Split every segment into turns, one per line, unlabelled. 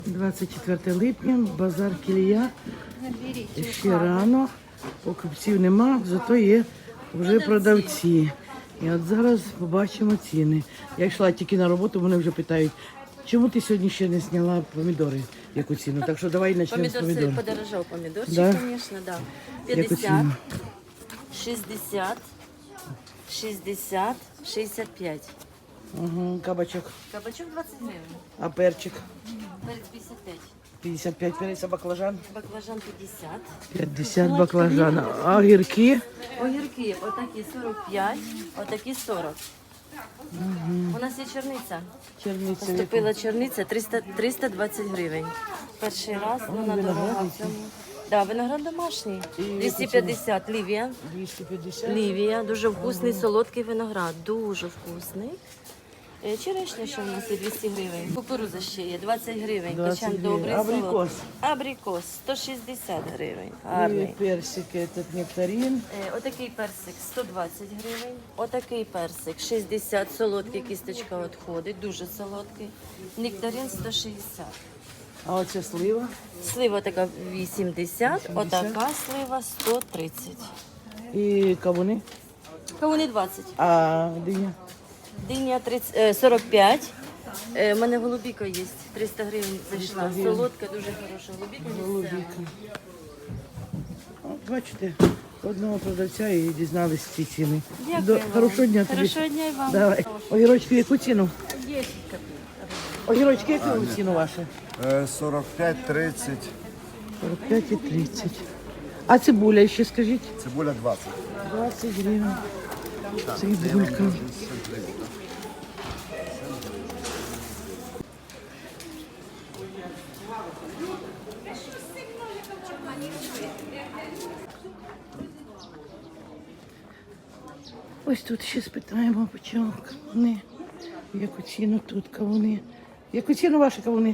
24 липня, базар Кілія. Ще рано, покупців нема, зато є вже продавці. І от зараз побачимо ціни. Я йшла тільки на роботу, вони вже питають, чому ти сьогодні ще не зняла помідори, яку ціну? Так що давай почнемо з помідорів.
Помидор подорожал, помидорчик,
Да?
конечно, да.
Яку
50,
ціну?
60, 60, 65.
Угу, кабачок.
Кабачок 20 гривен.
А перчик?
Перец 55.
55 перець, а баклажан?
Баклажан 50.
50 баклажан. А огірки?
Огірки отакі 45, отакі 40. У нас є черниця.
Черниця.
Поступила черниця 320 гривень. Перший раз, вона дорога в цьому. Да, виноград домашній. 250 Лівія.
250.
Лівія, дуже вкусний, солодкий виноград, дуже вкусний. Черешня ще в нас є 200 гривень. Кукуруза ще є 20 гривень.
20
Качан
гривень.
добрий,
Абрикос?
солодкий. Абрикос 160 гривень.
І
Гарний.
персик, этот нектарин.
Отакий персик 120 гривень. Отакий персик 60, солодкий, кісточка відходить, дуже солодкий. Нектарин 160.
А оце слива.
Слива така 80, отака слива 130.
І кавуни.
Кавуни 20.
А диня?
Диня 45. У мене голубіка є. 300 гривень зайшла. Солодка, дуже хороша голубіка.
Голубіка. От бачите, одного продавця і дізналися ці ціни.
Дякую вам.
Хорошого дня тобі.
Хорошого дня і вам.
Давай. Огірочки яку ціну?
10
Огірочки яку ціну ваші?
45, 30,
45 і 30. А цибуля ще скажіть?
цибуля 20.
20 гривень. Цибулька. Ось тут ще спитаємо, по чому кавуни. Яку ціну тут кавуни. Яку ціну ваші кавуни?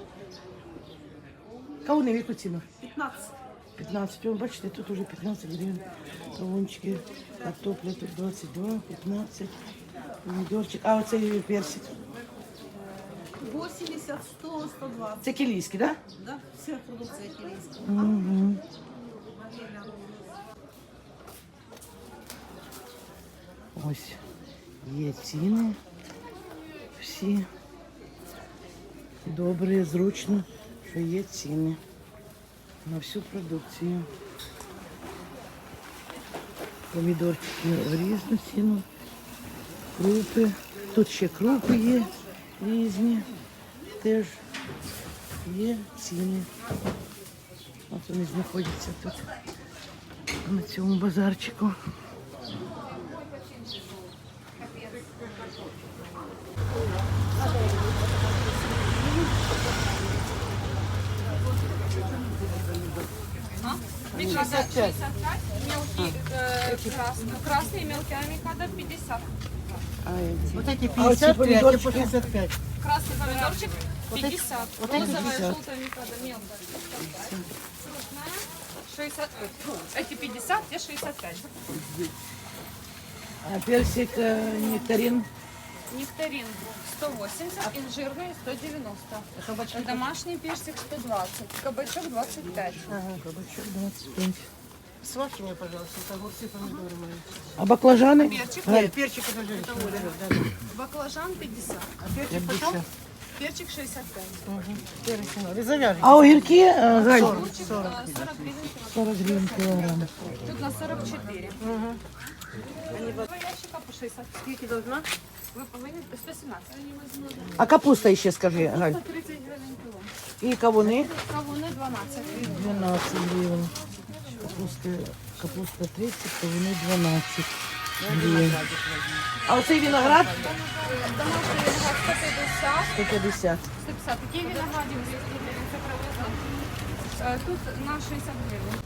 Кавуни в яку ціну? 15. 15. О, бачите, тут уже 15 гривень. Кавунчики, картопля тут 22, 15. Помідорчик. А оцей персик.
80, 100, 120.
Це кілійський, так?
Да? Вся продукція кілійська.
Да? Угу. Ось є ціни. Всі добре, зручно, що є ціни на всю продукцію. Помідорчики в різну ціну. Крупи. Тут ще крупи є різні. Теж є ціни. От вони знаходяться тут на цьому базарчику.
Красные мелкие авокадо 50.
Вот эти 55, а по 65.
Красный помидорчик 50.
Вот эти
Розовая
50.
желтая авокадо мелкая 55. Крупная 60. Эти 50, те 65.
А персик нектарин.
Нектарин 180, инжирный 190. Домашний персик 120. Кабачок 25.
Ага, кабачок 25.
Сварки мне, пожалуйста, это огурцы, помидоры мои.
А баклажаны?
Перчик.
Галь,
Перчик подожди.
Баклажан 50.
А перчик почем?
Перчик 65.
Перец не завяжем.
А огірки, Галь?
40 гривен.
40 гривень кілограм.
Тут на 44. Два ящика по 60.
Сколько должна?
Ви повинні 117.
А капуста ще скажи, Галь.
130 гривень кіло.
І кавуни?
Кавуни 12 гривень.
12 гривень. Капуста 30, кавуни 12 гривень. А оцей виноград?
Домашній виноград 150.
150.
150. Такі винограді 200 гривень. Це привезли. Тут на 60 гривень.